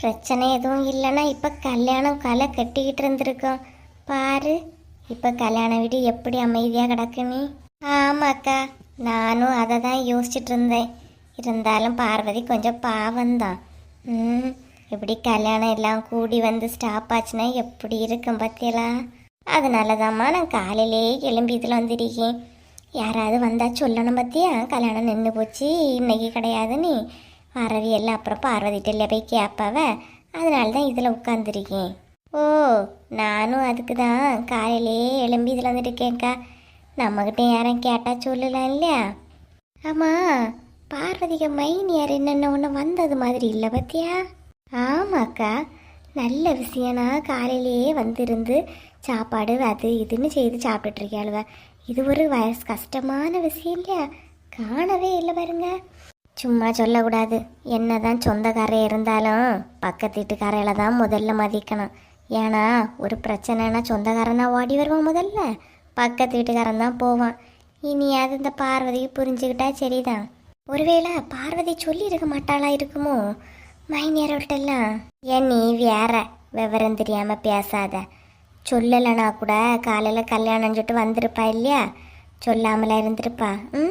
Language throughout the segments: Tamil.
பிரச்சனை எதுவும் இல்லைன்னா இப்போ கல்யாணம் களை கட்டிக்கிட்டு இருந்திருக்கோம். பாரு இப்போ கல்யாண வீடு எப்படி அமைதியாக கிடக்குன்னு. ஆமாக்கா, நானும் அதை தான் யோசிச்சுட்டு இருந்தேன். இருந்தாலும் பார்வதி கொஞ்சம் பாவம்தான். இப்படி கல்யாணம் எல்லாம் கூடி வந்து ஸ்டாப் ஆச்சுன்னா எப்படி இருக்கும் பத்தியலா? அதனால தான்மா நான் காலையிலே எழும்பி இதில் வந்துருக்கேன். யாராவது வந்தால் சொல்லணும் பத்தியா, கல்யாணம் நின்று போச்சு இன்னைக்கு கிடையாதுன்னு. வரவி எல்லாம் அப்புறம் பார்வதிட்டில் போய் கேட்பாவ. அதனால தான் இதில் உட்காந்துருக்கேன். ஓ, நானும் அதுக்கு தான் காலையிலே எழும்பி இதில் வந்துருக்கேன்க்கா. நம்மக்கிட்ட யாரும் கேட்டால் சொல்லலாம் இல்லையா? ஆமாம், பார்வதிக்கு மைனியார் என்னென்ன ஒன்று வந்தது மாதிரி இல்லை பத்தியா? ஆமாக்கா, நல்ல விஷயம்னா காலையிலேயே வந்திருந்து சாப்பாடு அது இதுன்னு செய்து சாப்பிட்டுட்ருக்காளுவ. இது ஒரு வயசு கஷ்டமான விஷயம் இல்லையா? காணவே இல்லை பாருங்க. சும்மா சொல்லக்கூடாது. என்னதான் சொந்தக்காரை இருந்தாலும் பக்கத்து வீட்டுக்காரையில தான் முதல்ல மதிக்கணும். ஏன்னா ஒரு பிரச்சனைனா சொந்தக்காரனா ஓடி வருவான், முதல்ல பக்கத்து வீட்டுக்காரன் தான் போவான். இனியாவது இந்த பார்வதிக்கு புரிஞ்சுக்கிட்டா சரிதான். ஒருவேளை பார்வதி சொல்லி இருக்க மாட்டாளா இருக்குமோ மைனியர்கிட்டலாம்? ஏன் நீ வேற விவரம் தெரியாம பேசாத. சொல்லலைனா கூட காலையில் கல்யாணம் சொல்லிட்டு வந்திருப்பா இல்லையா? சொல்லாமல இருந்திருப்பா.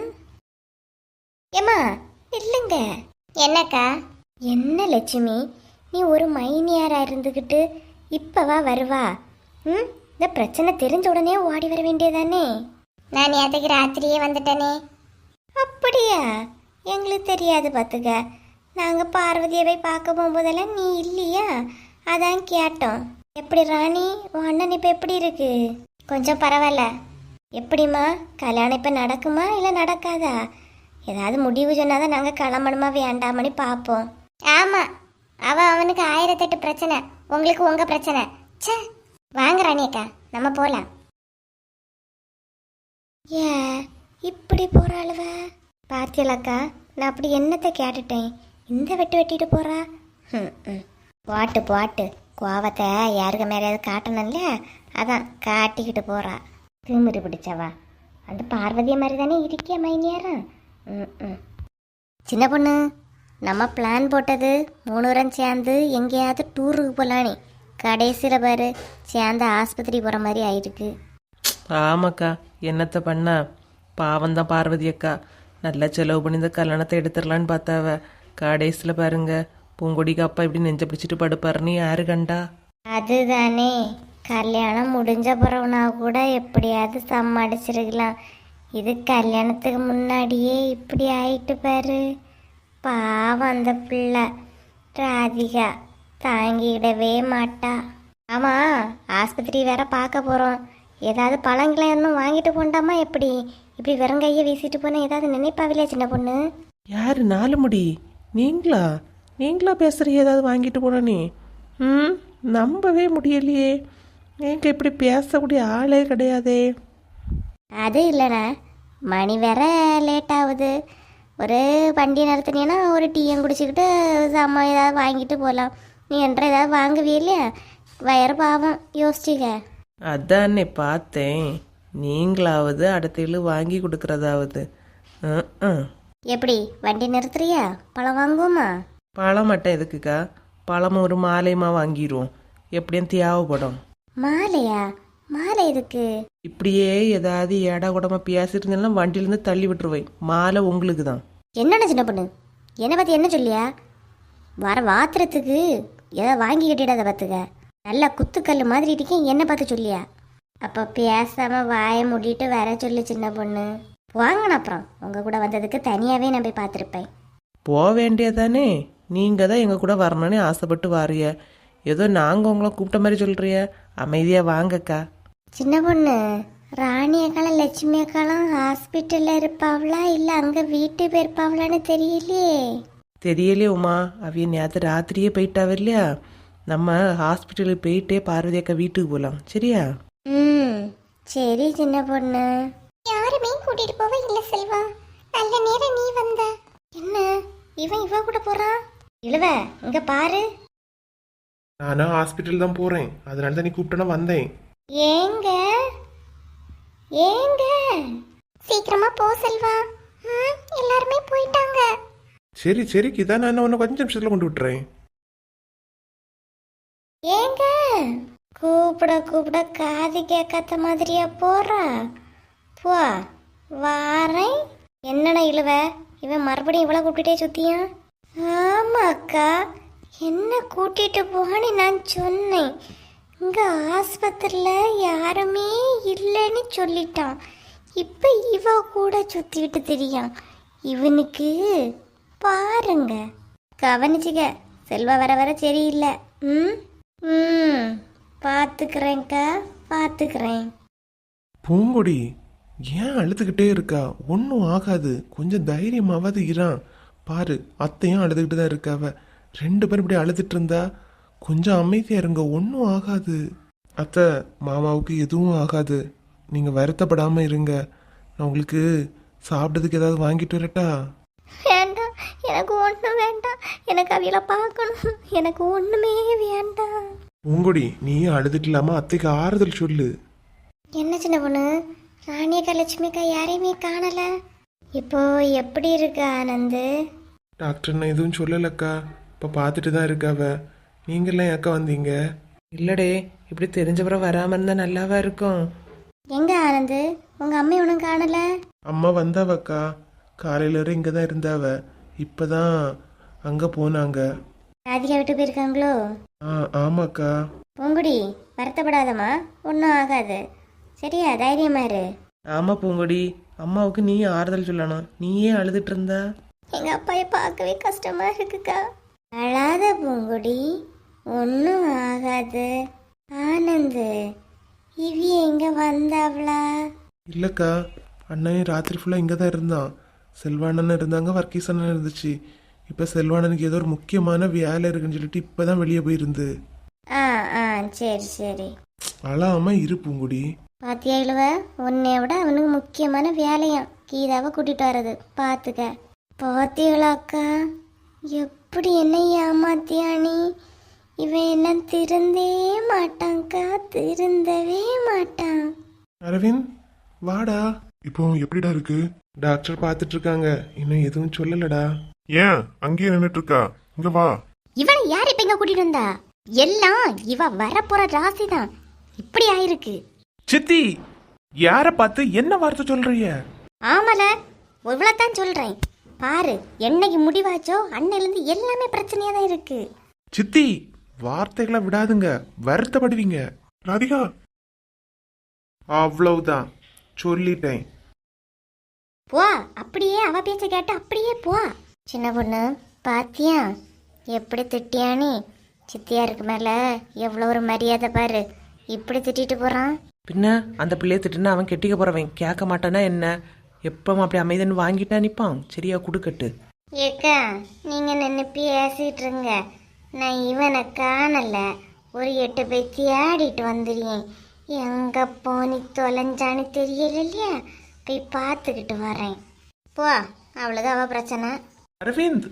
ஏம்மா இல்லைங்க. என்னக்கா? என்ன லட்சுமி, நீ ஒரு மைனியாரா இருந்துக்கிட்டு இப்பவா வருவா? இந்த பிரச்சனை தெரிஞ்ச உடனே ஓடி வர வேண்டியதானே? நான் நேற்றுக்கு ராத்திரியே வந்துட்டேனே. அப்படியா? எங்களுக்கு தெரியாது பார்த்துக்க. நாங்கள் பார்வதியை போய் பார்க்க போகும்போதெல்லாம் நீ இல்லையா, அதான் கேட்டோம். எப்படி ராணி, உன் அண்ணன் இப்போ எப்படி இருக்கு? கொஞ்சம் பரவாயில்ல. எப்படிம்மா, கல்யாணம் இப்போ நடக்குமா இல்லை நடக்காதா? ஏதாவது முடிவு சொன்னாதான் நாங்கள் கிளம்பணுமா வேண்டாமனு பார்ப்போம். ஆமாம், அவனுக்கு 1008 பிரச்சனை, உங்களுக்கு உங்கள் பிரச்சனை. சே, வாங்க ராணி அக்கா, நம்ம போகலாம். ஏ இப்படி போகிறாளுவ பார்த்தியலக்கா? நான் அப்படி என்னத்தை கேட்டுட்டேன்? இந்த வெட்டிட்டு போகிறா. போட்டு போட்டு கோவத்தை யாருக்கு மேலேயாவது காட்டணும்ல, அதான் காட்டிக்கிட்டு போகிறா. திமிரு பிடிச்சவா. அந்த பார்வதியை மாதிரி தானே இருக்கிய மைனியாரா? சின்ன பொண்ணு, நம்ம பிளான் போட்டது 3 பேரும் சேர்ந்து எங்கேயாவது டூருக்கு போகலானே. கடைசியில் பாரு சேர்ந்து ஆஸ்பத்திரி போகிற மாதிரி ஆயிருக்கு. ஆமாக்கா, என்னத்தை பண்ணா? பாவம்தான் பார்வதி அக்கா. நல்லா செலவு பண்ணி இந்த கல்யாணத்தை எடுத்துடலான்னு பார்த்தாவ. கடைசியில் பாருங்க, பூங்கொடிக்கு அப்பா இப்படி நெஞ்ச பிடிச்சிட்டு படுப்பாருன்னு யாரு கண்டா? அதுதானே, கல்யாணம் முடிஞ்ச பிறகுனா கூட எப்படியாவது சமாளிச்சிருக்கலாம். இது கல்யாணத்துக்கு முன்னாடியே இப்படி ஆயிட்டு பாரு. பாவம் அந்த பிள்ளை ராதிகா தாங்கிடவே மாட்டா. ஆமாம், ஆஸ்பத்திரி வேற பார்க்க போகிறோம். ஏதாவது பழங்களாம் இன்னும் வாங்கிட்டு போண்டாமா? எப்படி இப்படி வெறுங்கையை வீசிட்டு போனால் ஏதாவது நினைப்பாவில்லையா சின்ன பொண்ணு? யாரு? 4 முடி நீங்களா பேசுகிற? ஏதாவது வாங்கிட்டு போனே? நம்பவே முடியலையே. எங்க இப்படி பேசக்கூடிய ஆளே கிடையாதே. அது இல்லைண்ணா, மணி வேற லேட் ஆகுது. ஒரு வண்டி நடத்துனீங்கன்னா ஒரு டீயும் குடிச்சிக்கிட்டு சாமான் ஏதாவது வாங்கிட்டு போகலாம். நீ என்ற ஏதாவது வாங்குவே இல்லையா? வயிறு பாவம், யோசிச்சிக்க. அதானே பார்த்தேன். நீங்களாவது அடுத்த வாங்கி கொடுக்கறதாவது. எப்படி வண்டி நிறுத்துறியா? பழம் வாங்குவோமா? பழம் மட்டும் எதுக்குக்கா? பழம் ஒரு மாலையுமா வாங்கிடுவோம். எப்படியும் தேவைப்படும். மாலையா? மாலை எதுக்கு? இப்படியே ஏதாவது ஏடா கூடமா பேசிட்டு இருந்தாலும் வண்டியிலேருந்து தள்ளி விட்டுருவேன். மாலை உங்களுக்கு தான். என்னென்ன சின்ன பொண்ணு, என்னை பற்றி என்ன சொல்லியா? வர வாத்திரத்துக்கு ஏதாவது வாங்கி கட்டிடாத பார்த்துக்க. நல்லா குத்துக்கல் மாதிரி இருக்கேன், என்னை பார்த்து சொல்லியா? அப்போ பேசாமல் வாயை மூடிட்டு வர சொல்லு சின்ன பொண்ணு. வாங்கணும், அப்புறம் உங்கள் கூட வந்ததுக்கு தனியாகவே நான் போய் பார்த்துருப்பேன். போக வேண்டியதானே? நீங்கள் தான் எங்கள் கூட வரணும்னு ஆசைப்பட்டு வாரிய. ஏதோ நாங்கள் உங்களை கூப்பிட்ட மாதிரி சொல்கிறிய. அமைதியாக வாங்கக்கா. சின்ன பொண்ணு, ராணி அக்காலும் லட்சுமி அக்காலும் ஹாஸ்பிட்டலில் இருப்பாவளா இல்லை அங்கே வீட்டு போயிருப்பாவளான்னு தெரியலையே உமா. அவைய நேற்று ராத்திரியே போயிட்டாவ இல்லையா? நம்ம ஹாஸ்பிட்டலுக்கு போயிட்டே பார்வதி அக்கா வீட்டுக்கு போகலாம், சரியா? சரி சின்ன பொண்ணு. யாருமே கூட்டிட்டு போவ இல்ல செல்வா. நல்ல நேரம் நீ வந்த. என்ன இவ கூட போறான்? இழுவ இங்க பாரு. நானும் ஹாஸ்பிட்டல் தான் போறேன், அதனால தான் நீ கூப்பிட்டனா வந்தேன். ஏங்க ஏங்க சீக்கிரமா போ செல்வா. எல்லாருமே போயிட்டாங்க. சரி கிதா, நான் உன்னை கொஞ்சம் நிமிஷத்துல கொண்டு விட்டுறேன். ஏங்க கூப்பிட கூப்பிட காது கேட்காத மாதிரியா போறா? போ வாரேன். என்னடா இழுவ, இவன் மறுபடியும் இவ்வளோ கூப்பிட்டுட்டே சுத்தியான். ஆமாக்கா, என்ன கூட்டிட்டு போன்னு நான் சொன்னேன். இங்க ஆஸ்பத்திரியில் யாருமே இல்லைன்னு சொல்லிட்டான். இப்போ இவ கூட சுத்திக்கிட்டு தெரியான். இவனுக்கு பாருங்க, கவனிச்சுக்க. செல்வா வர வர சரியில்லை. ம் ம் பார்த்துக்கிறேன்க்கா, பார்த்துக்கிறேன். பூங்கொடி ஏன் அழுதுகிட்டே இருக்கா? ஒன்றும் ஆகாது, கொஞ்சம் தைரியமாவது இரான். பாரு, அத்தையும் அழுதுகிட்டு தான் இருக்காவ. 2 பேரும் இப்படி அழுதுட்டு இருந்தா கொஞ்சம் அமைதியா இருங்க, ஒன்றும் ஆகாது. அத்தை, மாமாவுக்கு எதுவும் ஆகாது, நீங்க வருத்தப்படாம இருங்க. நான் உங்களுக்கு சாப்பிட்டதுக்கு ஏதாவது வாங்கிட்டு வரட்டா? வேண்டாம், எனக்கு ஒன்றும் வேண்டாம். எனக்கு அவையில பார்க்கணும். எனக்கு ஒன்றுமே வேண்டாம். பூங்கொடி, நீ அழுதுட்டு இல்லாம அத்தைக்கு ஆறுதல் சொல்லு. என்ன சின்ன பொண்ணு, ராணியக்கா லட்சுமிக்கா யாரையுமே காணல. இப்போ எப்படி இருக்கு ஆனந்து? டாக்டர் நான் எதுவும் சொல்லலக்கா, இப்போ பார்த்துட்டு தான் இருக்காவ. நீங்களாம் ஏக்கா வந்தீங்க? இல்லடே, இப்படி தெரிஞ்சவரை வராமல் இருந்தால் நல்லாவா இருக்கும்? எங்க ஆனந்து, உங்க அம்மா ஒன்றும் காணல? அம்மா வந்தாவக்கா, காலையில வரை இங்கே தான் இருந்தாவ. இப்போதான் அங்கே போனாங்க. ராதிகா விட்டு போயிருக்காங்களோ? ஆமாக்கா. பூங்குடி, வருத்தப்படாதம்மா, ஒன்றும் ஆகாது. சரியா, தைரியமா இரு. ஆமாம் பூங்கொடி, அம்மாவுக்கு நீ ஆறுதல் சொல்லணும். நீயே அழுதுட்டு இருந்தா? எங்க அப்பாயை பார்க்கவே கஷ்டமா இருக்குக்கா. அழாத பூங்குடி, ஒன்றும் ஆகாது. ஆனந்து, இவி எங்க வந்தாவளா? இல்லைக்கா, அண்ணன் ராத்திரி ஃபுல்லாக இங்கே தான் இருந்தான். செல்வானன் இருந்தாங்க, வர்க்கீஸ் அண்ணன் இருந்துச்சு. இப்போ செல்வானனுக்கு ஏதோ ஒரு முக்கியமான வேலை இருக்குன்னு சொல்லிட்டு இப்போ தான் வெளியே போயிருந்து. ஆ ஆ சரி சரி. அழாம இரு பூங்குடி. பாத்தியா இழுவ, உன்னை விட அவனுக்கு முக்கியமான வேலையாம் கீதாவை கூட்டிட்டு வர்றது. பார்த்துக்க. பாத்தியலாக்கா, எப்படி என்ன ஏமாத்தியானி? இவன் எல்லாம் திருந்தே மாட்டான்க்கா, திருந்தவே மாட்டான். அரவிந்த், வாடா. இப்போ எப்படிடா இருக்கு? டாக்டர் பார்த்துட்டு இருக்காங்க, இன்னும் எதுவும் சொல்லலடா. ஏன் அங்கேயே நின்னுட்டு இருக்கா? இங்க வா. இவனை யார் இப்ப இங்க கூட்டிட்டு வந்தா? எல்லாம் இவ வரப்போற ராசி தான் இப்படி ஆயிருக்கு. சித்தி, யார பார்த்து என்ன வார்த்தை சொல்றீங்க? ஆமல, இவ்வளவுதான் சொல்றேன். பாரு, என்னைக்கு முடிவாச்சோ அன்னையிலிருந்து எல்லாமே பிரச்சனையா தான் இருக்கு. சித்தி, வார்த்தைகளை விடாதுங்க, வருத்தப்படுவீங்க. ராதிகா, அவ்வளவுதான், சொல்லிட்டேன். போ, அப்படியே அவ பேச்ச கேட்டு அப்படியே போ. சின்ன பொண்ணு, பாத்தியா எப்படி திட்டியானி? சித்தியாருக்கு மேல எவ்வளவு ஒரு மரியாதை பாரு, இப்படி திட்டிட்டு போறான். பின்ன அந்த பிள்ளைய திட்டுனா அவன் கெட்டிக்க போறவன் கேட்க மாட்டானா என்ன? எப்பவும் அப்படி அமைதின்னு வாங்கிட்டா நிப்பான். சரியா, குடுக்கட்டு. ஏக்கா, நீங்க நின்று பேசிட்டு இருங்க. நான் இவனை காணல, ஒரு 8 போய் தேடிட்டு வந்துடுறேன். எங்க போனி தொலைஞ்சான்னு தெரியல இல்லையா, போய் பார்த்துக்கிட்டு வரேன். போ, அவ்வளவுதான் அவ பிரச்சனை. அரவிந்த்,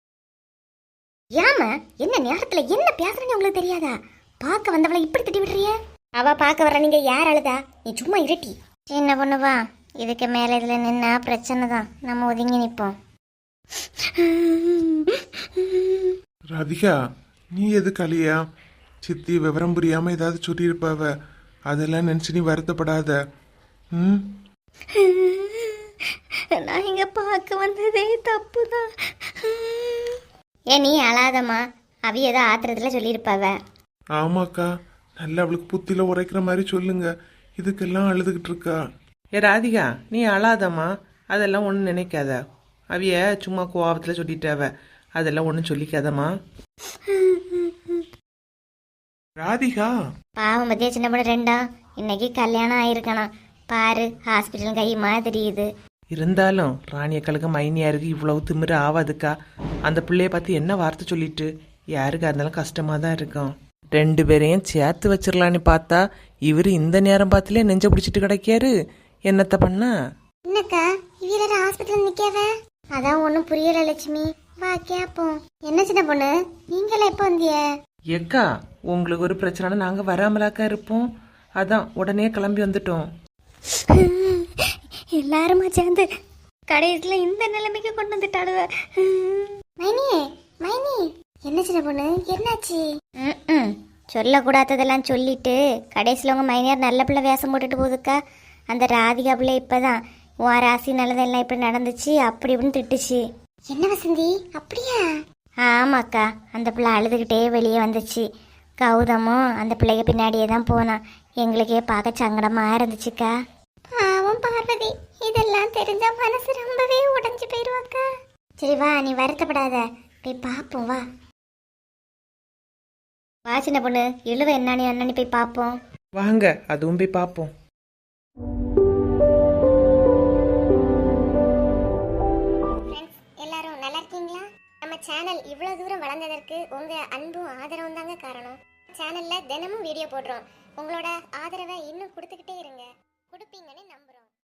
ஏமா என்ன நேரத்துல என்ன பேசுறேன்னு உங்களுக்கு தெரியாதா? பார்க்க வந்தவளை இப்படி திட்டி விடுறிய? அவ பார்க்க வர, நீங்க யார் அழுதா? நீ சும்மா இருட்டி. சின்ன பொண்ணுவா, இதுக்கு மேல இதுல நின்னா பிரச்சனை தான். நம்ம ஒதுங்கி நிப்போம். ராதிகா, நீ எது கலியா? சித்தி விவரம் புரியாம ஏதாவது சொல்லியிருப்பாவ, அதெல்லாம் நினைச்சு நீ வருத்தப்படாத. ம், நான் இங்க பார்க்க வந்ததே தப்புதான். ஏன் நீ அழாதம்மா, அவி ஏதோ ஆத்திரத்துல சொல்லியிருப்பாவ. ஆமாக்கா, நல்லா அவளுக்கு புத்தில உரைக்கிற மாதிரி சொல்லுங்க. இதுக்கெல்லாம் அழுதுகிட்டு இருக்கா. ஏ ராதிகா, நீ அழாதம்மா, அதெல்லாம் ஒன்றும் நினைக்காத. அவிய சும்மா கோவத்தில் சொல்லிட்டாவ, அதெல்லாம் ஒன்றும் சொல்லிக்காதம்மா. ராதிகா, பாவம் பத்தியா சின்ன பொண்ணு ரெண்டா, இன்னைக்கு கல்யாணம் ஆயிருக்கணும். பாரு, ஹாஸ்பிட்டல் கையுமா தெரியுது. இருந்தாலும் ராணியக்களுக்கு மைனியாருக்கு இவ்வளவு திமிரு ஆகாதுக்கா. அந்த பிள்ளைய பார்த்து என்ன வார்த்தை சொல்லிட்டு யாருக்கா இருந்தாலும் கஷ்டமாக தான் இருக்கும். 2 பேரையும் சேர்த்து வச்சிடலான்னு பார்த்தா இவர் இந்த நேரம் பார்த்துலே நெஞ்ச பிடிச்சிட்டு கிடைக்காரு. என்னத்த பண்ணா? என்னக்கா, இவர ஹாஸ்பிட்டல் நிக்காவ? அதான் ஒன்றும் புரியல லட்சுமி. வா கேப்போம். என்ன சின்ன பொண்ணு, நீங்களே எப்போ வந்திய? எக்கா, உங்களுக்கு ஒரு பிரச்சனைனா நாங்கள் வராமலாக்கா இருப்போம். அதான் உடனே கிளம்பி வந்துட்டோம். எல்லாருமா சேர்ந்து கடைசியில இந்த நிலைமைக்கு கொண்டு வந்துட்டாடுவ. மைனி, மைனி, என்ன சின்ன பொண்ணு, என்னாச்சு? சொல்லக்கூடாததெல்லாம் சொல்லிட்டு கடைசியில் உங்கள் மைனியார் நல்ல பிள்ளை வேஷம் போட்டுட்டு போகுதுக்கா. அந்த ராதிகா பிள்ளை இப்போ தான் உன் ராசி நல்லதெல்லாம் இப்படி நடந்துச்சு அப்படி இப்படின்னு திட்டுச்சு. என்ன வசந்தி அப்படியா? ஆமாக்கா, அந்த பிள்ளை அழுதுகிட்டே வெளியே வந்துச்சு. கௌதமும் அந்த பிள்ளைய பின்னாடியே தான் போனான். எங்களுக்கே பார்க்க சங்கடமாக இருந்துச்சுக்கா. பாவம் பார்வதி, இதெல்லாம் தெரிஞ்சா மனசு ரொம்பவே உடைஞ்சு போயிடுவாக்கா. சரி வா, நீ வருத்தப்படாத, போய் பார்ப்போம் வா. வா சின்ன பொண்ணு, இழுவ என்னன்னு போய் பார்ப்போம். வாங்க, அதுவும் போய் பார்ப்போம். எல்லாரும் நல்லா இருக்கீங்களா? நம்ம சேனல் இவ்வளவு தூரம் வளர்ந்ததற்கு உங்க அன்பும் ஆதரவும் தாங்க காரணம். சேனல்ல தினமும் வீடியோ போடுறோம். உங்களோட ஆதரவை இன்னும் கொடுத்துக்கிட்டே இருங்க. கொடுப்பீங்கன்னு நம்புறோம்.